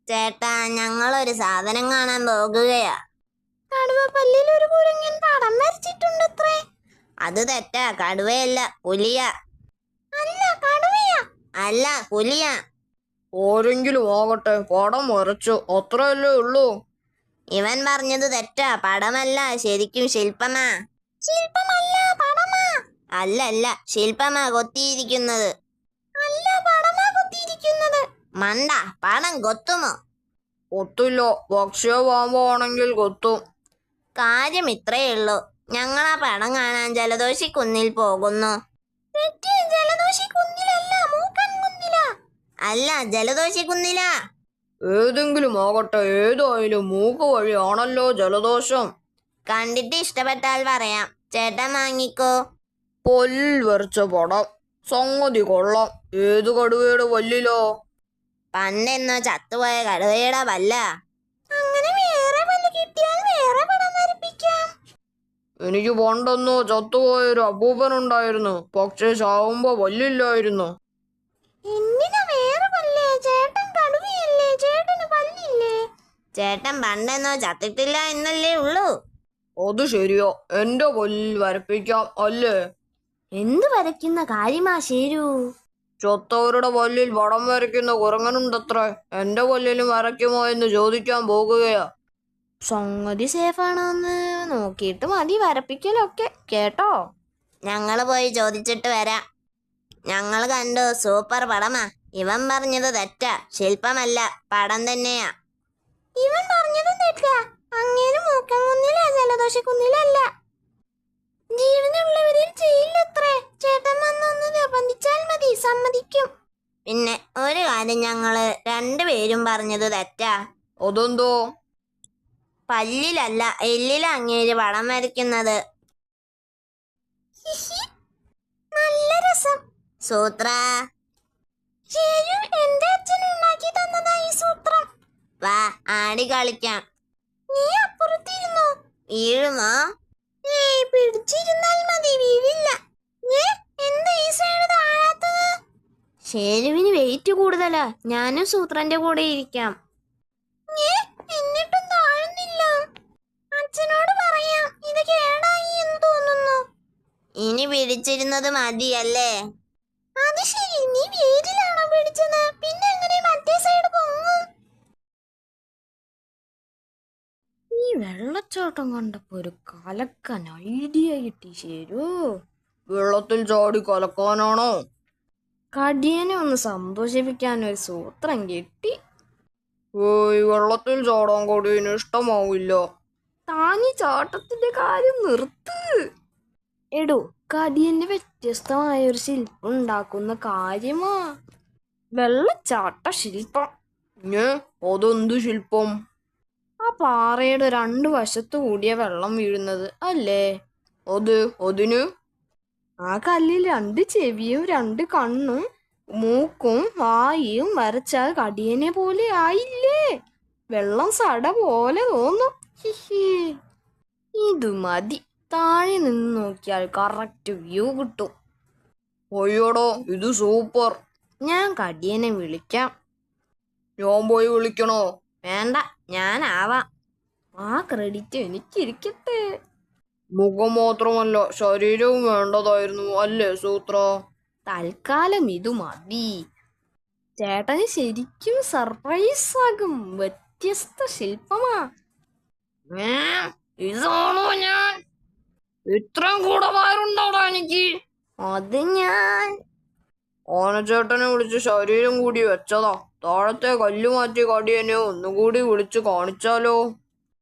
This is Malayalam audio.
ചേട്ടാ, ഞങ്ങളൊരു സാധനം കാണാൻ പോകുകയാ. കടുവപ്പല്ലിൽ ഒരു കുരങ്ങൻ പടം വരച്ചിട്ടുണ്ടത്രേ. അത് തെറ്റാ, കടുവയല്ല പുലിയാ. അല്ല, കടുവയാ. അല്ല, പുലിയാ. ആരെങ്കിലും ആകട്ടെ, പടം വരച്ചു, അത്രയല്ലേ ഉള്ളൂ. ഇവൻ പറഞ്ഞത് തെറ്റാ, പടമല്ല, ശരിക്കും ശില്പമാ. ശില്പമല്ല, പടമാ. അല്ലല്ല, ശില്പമാ കൊത്തിയിരിക്കുന്നത്. അല്ല, പടമാ കൊത്തിയിരിക്കുന്നത്. മണ്ട, പടം കൊത്തുമോ? കൊത്തില്ല, പക്ഷേ പാമ്പാണെങ്കിൽ കൊത്തും. കാര്യം ഇത്രയേ ഉള്ളൂ. ഞങ്ങൾ ആ പടം കാണാൻ ജലദോഷി കുന്നിൽ പോകുന്നു. തെറ്റ്, ജലദോഷി കുന്നിലല്ല, മൂക്കൻ കുന്നിലാ. അല്ല, ജലദോഷി കുന്നിലാ. ഏതെങ്കിലും ആകട്ടെ, ഏതായാലും മൂക്ക് വഴിയാണല്ലോ ജലദോഷം. കണ്ടിട്ട് ഇഷ്ടപ്പെട്ടാൽ പറയാം. ചേട്ടൻ വാങ്ങിക്കോ. പല്ലിൽ വരച്ച പടം, സംഗതി കൊള്ളാം. ഏത് കടുവയുടെ പല്ലിലോ? പണ്ടെന്നോ ചത്തുപോയ കടുവയുടെ പല്ല. അങ്ങനെ വേറെ പല്ല് കിട്ടിയാൽ വേറെ പടം വരപ്പിക്കാം. എനിക്ക് പണ്ടെന്നോ ചത്തുപോയൊരു അപ്പൂപ്പനുണ്ടായിരുന്നു, പക്ഷെ ചാവുമ്പോ പല്ലില്ലായിരുന്നു. എന്തിനാ വേറെ പല്ല്? ചേട്ടൻ കടുവയല്ലേ, ചേട്ടന് പല്ലില്ലേ? ചേട്ടൻ പണ്ടെന്നോ ചത്തിട്ടില്ല എന്നല്ലേ ഉള്ളൂ. അത് ശരിയോ, എന്റെ പല്ലിൽ വരപ്പിക്കാം അല്ലേ? എന്ത് വരയ്ക്കുന്ന കാര്യമാ ശരു? ചത്തവരുടെ പല്ലിൽ പടം വരയ്ക്കുന്ന കുരങ്ങനുണ്ടത്രേ. എന്റെ പല്ലിലും വരയ്ക്കുമോ എന്ന് ചോദിക്കാൻ പോകുകയാ. സംഗതി സേഫാണോന്ന് നോക്കിയിട്ട് മതി വരപ്പിക്കലൊക്കെ, കേട്ടോ? ഞങ്ങൾ പോയി ചോദിച്ചിട്ട് വരാം. ഞങ്ങൾ കണ്ടു, സൂപ്പർ പടമാ. ഇവൻ പറഞ്ഞത് തെറ്റാ, ശില്പമല്ല, പടം തന്നെയാ. ഇവൻ പറഞ്ഞതും തെറ്റാ. അങ്ങേര് മൂക്കൻ കുന്നിലാ, ജലദോഷ കുന്നിലല്ല. ജീവനുള്ളവരിൽ ചെയ്യില്ലത്രേ. ചേട്ടൻ വന്നൊന്ന് നിർബന്ധിച്ചാൽ മതി, സമ്മതിക്കും. പിന്നെ ഒരു കാര്യം, ഞങ്ങള് രണ്ടുപേരും പറഞ്ഞത് തെറ്റാ. അതെന്തോ? പല്ലിലല്ല, എല്ലിലാ അങ്ങേര് പടം വരയ്ക്കുന്നത്. ഹിഹി, നല്ല രസം. സൂത്ര, ശരു, എന്റെ അച്ഛൻ ഉണ്ടാക്കി തന്നതാ ഈ സൂത്രം. വാ ആടി കളിക്കാം. നീ അപ്പുറത്തിരുന്നോ? വീഴുമോ? ഏയ്, പിടിച്ചിരുന്നാൽ മതി, വീഴില്ല. എന്താ ഈ സൈഡ് താഴാത്തത്? ഷേരുവിന് വെയിറ്റ് കൂടുതലാ. ഞാനും സൂത്രന്റെ കൂടെ ഇരിക്കാം. എന്നിട്ടും താഴുന്നില്ല. അച്ഛനോട് പറയാം, ഇത് കേടായി എന്ന് തോന്നുന്നു. ഇനി പിടിച്ചിരുന്നത് മതിയല്ലേ? അത് ശരി, നീ വേരിലാണോ പിടിച്ചത്? പിന്നെ എങ്ങനെ മറ്റേ സൈഡ് പൊങ്ങും? ഈ വെള്ളച്ചാട്ടം കണ്ടപ്പോ ഒരു കലക്കൻ ഐഡിയ കിട്ടി ശരു. വെള്ളത്തിൽ ചാടി കലക്കാനാണോ? കടിയനെ ഒന്ന് സന്തോഷിപ്പിക്കാൻ ഒരു സൂത്രം കിട്ടി. ഏയ്, വെള്ളത്തിൽ ചാടാൻ കൊടിയന് ഇഷ്ടമാവില്ല. താനി ചാട്ടത്തിന്റെ കാര്യം നിർത്ത്. എടോ, കടിയന് വ്യത്യസ്തമായ ഒരു ശില്പം ഉണ്ടാക്കുന്ന കാര്യമാ വെള്ളച്ചാട്ട ശില്പം. അതെന്ത് ശില്പം? ആ പാറയുടെ രണ്ടു വശത്തു കൂടിയ വെള്ളം വീഴുന്നത് അല്ലേ? അതിന് ആ കല്ലിൽ രണ്ട് ചെവിയും രണ്ട് കണ്ണും മൂക്കും വായും വരച്ചാൽ കടിയനെ പോലെ ആയില്ലേ? വെള്ളം സട പോലെ തോന്നും. ഹിഹി, ഇത് മതി. താഴെ നിന്ന് നോക്കിയാൽ കറക്റ്റ് വ്യൂ കിട്ടും. അയ്യോടോ, ഇത് സൂപ്പർ. ഞാൻ കടിയനെ വിളിക്കാം. ഞാൻ പോയി വിളിക്കണോ? വേണ്ട, ഞാനാവാം. ആ ക്രെഡിറ്റ് എനിക്കിരിക്കട്ടെ. മുഖം മാത്രമല്ല, ശരീരവും വേണ്ടതായിരുന്നു അല്ലേ സൂത്ര? തൽക്കാലം ഇത് മതി. ചേട്ടന് ശരിക്കും സർപ്രൈസ് ആകും. വ്യത്യസ്ത ശില്പമാ. ഇതാണോ ഞാൻ? ഇത്രയും കൂടമാരുണ്ടോടാ എനിക്ക്? അത് ഞാൻ ആനച്ചേട്ടനെ വിളിച്ച് ശരീരം കൂടി വെച്ചതാ. താഴത്തെ കല്ല് മാറ്റി കടിയനെ ഒന്നുകൂടി വിളിച്ച് കാണിച്ചാലോ?